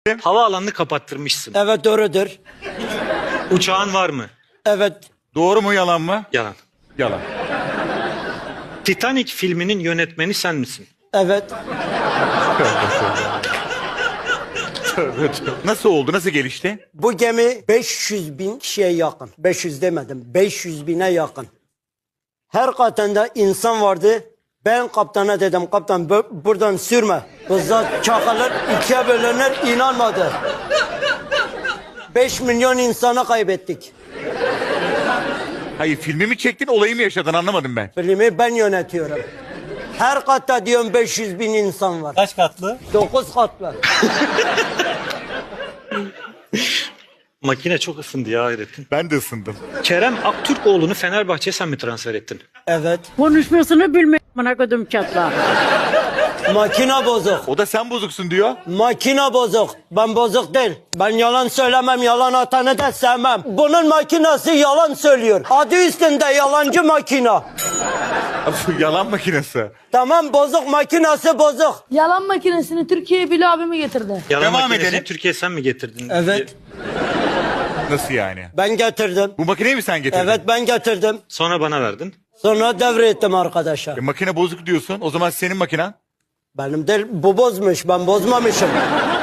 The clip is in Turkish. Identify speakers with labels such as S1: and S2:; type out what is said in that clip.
S1: Havaalanını kapattırmışsın.
S2: Evet doğrudur.
S1: Uçağın var mı?
S2: Evet.
S3: Doğru mu yalan mı?
S1: Yalan.
S3: Yalan.
S1: Titanic filminin yönetmeni sen misin?
S2: Evet.
S3: Nasıl oldu? Nasıl gelişti?
S2: Bu gemi 500 bin kişiye yakın. 500 demedim. 500 bine yakın. Her katında insan vardı. Ben kaptana dedim, kaptan buradan sürme. Bizzat çakılır, ikiye bölünür, inanmadı. 5 milyon insanı kaybettik.
S3: Hayır, filmi mi çektin, olayı mı yaşadın, anlamadım ben.
S2: Filmi ben yönetiyorum. Her katta diyorum 500 bin insan var.
S4: Kaç katlı?
S2: 9 katlı.
S1: Makine çok ısındı ya Hayrettin.
S3: Ben de ısındım.
S1: Kerem Aktürkoğlu'nu Fenerbahçe'ye sen mi transfer ettin?
S2: Evet.
S5: Konuşmasını bilmiyorum bana kodum çatla.
S2: Makine bozuk.
S3: O da sen bozuksun diyor.
S2: Makine bozuk. Ben bozuk değil. Ben yalan söylemem, yalan atanı da sevmem. Bunun makinesi yalan söylüyor. Adı üstünde yalancı makina.
S3: Yalan makinesi.
S2: Tamam, bozuk, makinesi bozuk.
S6: Yalan makinesini Türkiye'ye Bilal abimi getirdi.
S1: Yalan
S3: Devam
S1: makinesini
S3: edelim.
S1: Türkiye'ye sen mi getirdin?
S2: Evet.
S3: Nasıl yani?
S2: Ben getirdim.
S3: Bu makineyi mi sen getirdin?
S2: Evet, ben getirdim.
S1: Sonra bana verdin.
S2: Sonra devrettim arkadaşa.
S3: Makine bozuk diyorsun. O zaman senin makinen.
S2: Benim değil, bu bozmuş, ben bozmamışım.